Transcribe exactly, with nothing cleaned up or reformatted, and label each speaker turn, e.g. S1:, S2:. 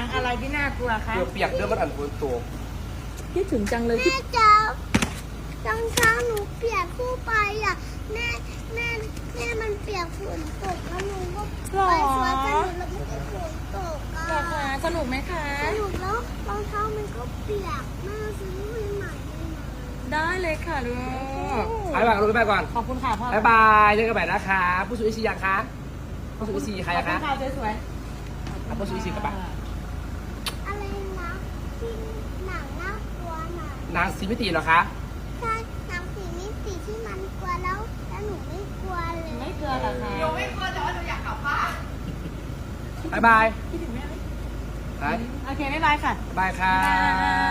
S1: งอะไรที่น่ากลัวคะ
S2: เปียกเรื่องมันอันฝนตก
S1: คิดถึงจังเลย
S3: แม่จ๋ารองเท้าหนูเปียกคู่ไปอ่ะแม่แม่แม่มันเปียกฝนตกแล้วหนูก็ไปสวนสนุกแล้วไม่ได้ฝนตกอ่ะ
S1: หรอคะสนุกไหมคะ
S3: สนุกแล้วรองเท้ามันก็เปียกแม่ซื้อให้ใหม่ได้ไหม
S1: ได้เลยค่ะลูก
S2: ไปก่อนลูกไปก่อน
S1: ขอบคุณค่ะพ่อ
S2: บ๊ายบายเจอกันใหม่นะคะผู้สูงอายุยังคะผู้สูงอายุใคร
S1: ขอบ
S2: อะ
S1: คุ
S2: คะ
S1: ณค่ะสวย
S2: เอาผู้สูงอายุกลับบ้าน
S3: อะไรนะที่หนังน่ากลัวหน่ะ
S2: นางสีมิติเหรอคะ
S3: ใช่หนังสีมิติที่มันกลัวแล้วแล้วหนูไม่กลัวเลย
S1: ๆไม่เกลือเหรอคะ
S4: โยไม่กลัวแต่ว่าหนูอยากกลับบ้าน
S2: บ๊ายบาย
S1: คิดถึงแม่ไหม
S2: ไป
S1: โอเคบ๊ายบายค่ะ
S2: บ๊ายบายค่ะ